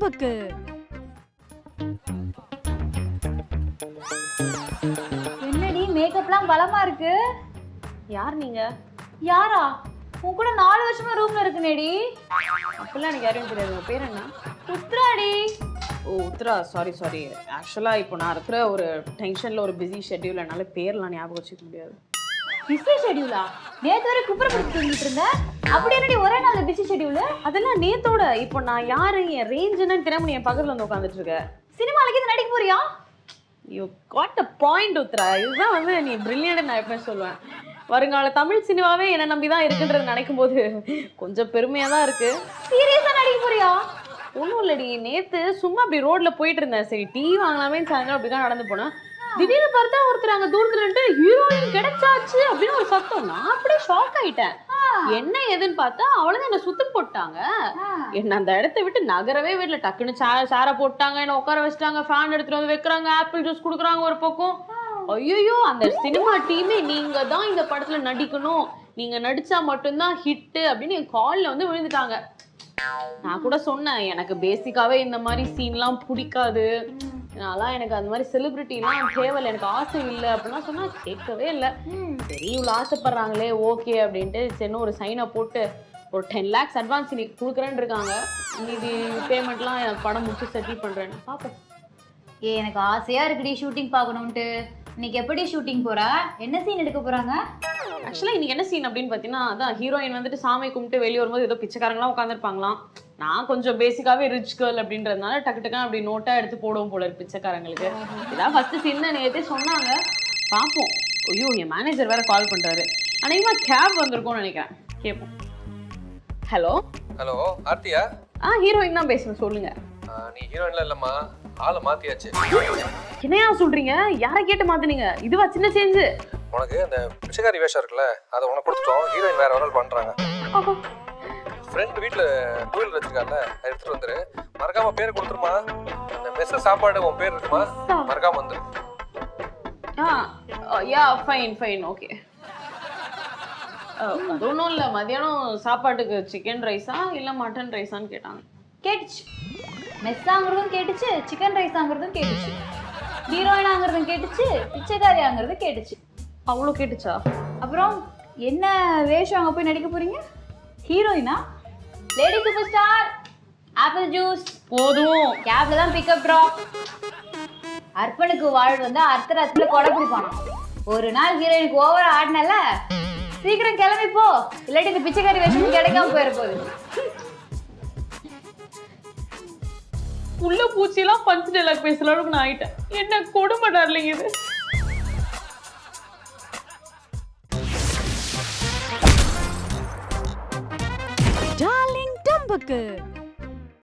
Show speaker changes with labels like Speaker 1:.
Speaker 1: டம்புக்கு
Speaker 2: என்னடி மேக்கப்லாம் பலமா இருக்கு.
Speaker 3: யார் நீங்க?
Speaker 2: யாரா? உன் கூட 4 வருஷமா ரூம்ல இருக்குனேடி.
Speaker 3: அப்பெல்லாம் எனக்கு யாரையும் தெரியாது. உங்க பேர் என்ன?
Speaker 2: உத்ராடி.
Speaker 3: ஓ உத்ரா. சாரி. ஆக்சுவலாக இப்போ நான் இருக்கிற ஒரு டென்ஷனில் ஒரு பிஸி ஷெட்யூல், என்னால் பேர்லாம் ஞாபகம் வச்சுக்க முடியாது.
Speaker 2: பிஸி ஷெட்யூலா? நேத்து வரை குப்பரை படுத்து தூங்கிட்டு இருந்தேன். அப்படி என்னடி ஒரே நாள்ல பிஸி ஷெட்யூல்?
Speaker 3: அதெல்லாம் நேத்தோட. இப்போ நான் யாரு, என் ரேஞ்ச் என்னன்னு தெரியாம நீ என் பக்கத்தில் வந்து உட்காந்துட்டு இருக்க.
Speaker 2: சினிமாலக்கு இது நடிக்க போறியா?
Speaker 3: You got a point Uthra. இதுதான் வந்து நீ பிரில்லியன்ட் நான் எப்பவுமே சொல்லுவேன். வருங்கால தமிழ் சினிமாவே என்னை நம்பி தான் இருக்குன்றது நினைக்கும் போது கொஞ்சம் பெருமையாக தான் இருக்கு.
Speaker 2: சீரியஸா நடிக்க போறியா?
Speaker 3: ஒன்றும் இல்லடி, நேற்று சும்மா அப்படி ரோட்ல போயிட்டு இருந்தேன். சரி டீ வாங்கலாமே சாயங்காலம் அப்படிதான் நடந்து போனேன். திடீர்னு பார்த்தா ஒருத்தர் அங்கே தூரத்துல இருந்து ஹீரோயின் கிடைச்சாச்சு அப்படின்னு ஒரு சத்தம். நான் அப்படியே ஷாக் ஆயிட்டேன். என்ன எதுன்னு பார்த்தா அவ்வளவுதான் என்ன சுத்தம் போட்டாங்க. என்ன அந்த இடத்த விட்டு நகரவே வீட்டுல டக்குன்னு சேரை போட்டாங்க, என்ன உட்கார வச்சுட்டாங்க, ஃபேன் எடுத்துட்டு வந்து வைக்கிறாங்க, ஆப்பிள் ஜூஸ் கொடுக்குறாங்க ஒரு பக்கம். ஐயோ, அந்த சினிமா டீமே நீங்க தான் இந்த படத்துல நடிக்கணும், நீங்க நடிச்சா மட்டும்தான் ஹிட்டு அப்படின்னு என் கால்ல வந்து விழுந்துட்டாங்க. நான் கூட சொன்னேன் எனக்கு பேசிக்காவே இந்த மாதிரி சீன்லாம் பிடிக்காது, அதனால எனக்கு அந்த மாதிரி செலிபிரிட்டிலாம் தேவையில்லை, எனக்கு ஆசை இல்லை அப்படின்னா சொன்னா கேட்கவே இல்லை. சரி இவ்வளோ ஆசைப்படுறாங்களே ஓகே அப்படின்ட்டு சின்ன ஒரு சைனை போட்டு ஒரு 10 lakhs அட்வான்ஸ் இன்னைக்கு கொடுக்குறேன்னு இருக்காங்க. மீதி பேமெண்ட்லாம் எனக்கு படம் முடிச்சு செட்டில் பண்ணுறேன்னு பார்ப்போம்.
Speaker 2: எனக்கு ஆசையா இருக்குடி ஷூட்டிங் பார்க்கணும்ட்டு. இன்னைக்கு எப்படி ஷூட்டிங் போறா? என்ன சீன் எடுக்க போறாங்க?
Speaker 3: ஆக்சுவலாக இன்னைக்கு என்ன சீன் அப்படின்னு பார்த்தீங்கன்னா, அதான் ஹீரோயின் வந்துட்டு சாமி கும்பிட்டு வெளியே வரும்போது ஏதோ பிச்சைக்காரங்களாம் உட்காந்துருப்பாங்களாம். நான் கொஞ்சம் பேசிக்காவே ரிச் கேர்ள் அப்படின்றதுனால டக்குன்னு அப்படி நோட்டா எடுத்து போடுவோம் போல இருக்கு பிச்சைக்காரங்களுக்கு. இதான் ஃபர்ஸ்ட் சீன் தான் நேற்றே சொன்னாங்க, பார்ப்போம். ஐயோ என் மேனேஜர் வேற கால் பண்றாரு. அன்னைக்குமா கேப் வந்திருக்கும்னு நினைக்கிறேன், கேட்போம். ஹலோ
Speaker 4: ஆர்த்தியா?
Speaker 3: ஹீரோயின் தான் பேசுறேன், சொல்லுங்க.
Speaker 4: நீ ஹீரோயின்ல இல்லம்மா, ஆளை மாத்தியாச்சு.
Speaker 3: என்னையா சொல்றீங்க? யாரை கேட்டு மாத்துனீங்க? இதுவா சின்ன சேஞ்சு?
Speaker 4: உனக்கு அந்த பிச்சைக்காரி வேஷம் இருக்குல்ல, அதை உனக்கு கொடுத்துட்டோம். ஹீரோயின் வேற ஒரு பண்றாங்க. ஃப்ரெண்ட் வீட்டுல கோயில் வச்சிருக்காங்கல்ல, அதை எடுத்துட்டு வந்துரு. மறக்காம பேரை கொடுத்துருமா. அந்த மெஸ்ஸ சாப்பாடு உன் பேர் இருக்குமா, மறக்காம வந்துரு.
Speaker 3: Yeah fine okay. அது ஒன்றும் இல்லை, மதியானம் சாப்பாட்டுக்கு சிக்கன் ரைஸா இல்லை மட்டன் ரைஸான்னு கேட்டாங்க.
Speaker 2: கேட்டுச்சு. மெஸ் ஆங்கிறதும் கேட்டுச்சு, சிக்கன் ரைஸ் ஆங்கிறதும் கேட்டுச்சு, ஹீரோயின் ஆங்கிறதும் கேட்டுச்சு, பிச்சைக்காரி ஆங்கிறது கேட்டுச்சு.
Speaker 3: அவ்வளோ கேட்டுச்சா?
Speaker 2: அப்புறம் என்ன வேஷம் அங்கே போய் நடிக்க போறீங்க? ஹீரோயினா? Lady superstar, apple juice
Speaker 3: போதும்.
Speaker 2: கேப்ல தான் பிக்கப் ட்ராப். அர்ப்பனுக்கு வாழ் வந்து அர்த்தராத்துல கொடை பிடிப்பானா. ஒரு நாள் ஹீரோயினுக்கு ஓவரா ஆடினல, சீக்கிரம் கிளம்பி போ, இல்லாட்டி இந்த பிச்சைக்காரி வேஷம் கிடைக்காம போயிட போகுது.
Speaker 3: உள்ள பூச்சியெல்லாம் பஞ்சு டைலாக் பேசுற அளவுக்கு நான் ஆயிட்டேன். என்ன கொடுமை டார்லிங் இது.
Speaker 1: டார்லிங் டம்புக்கு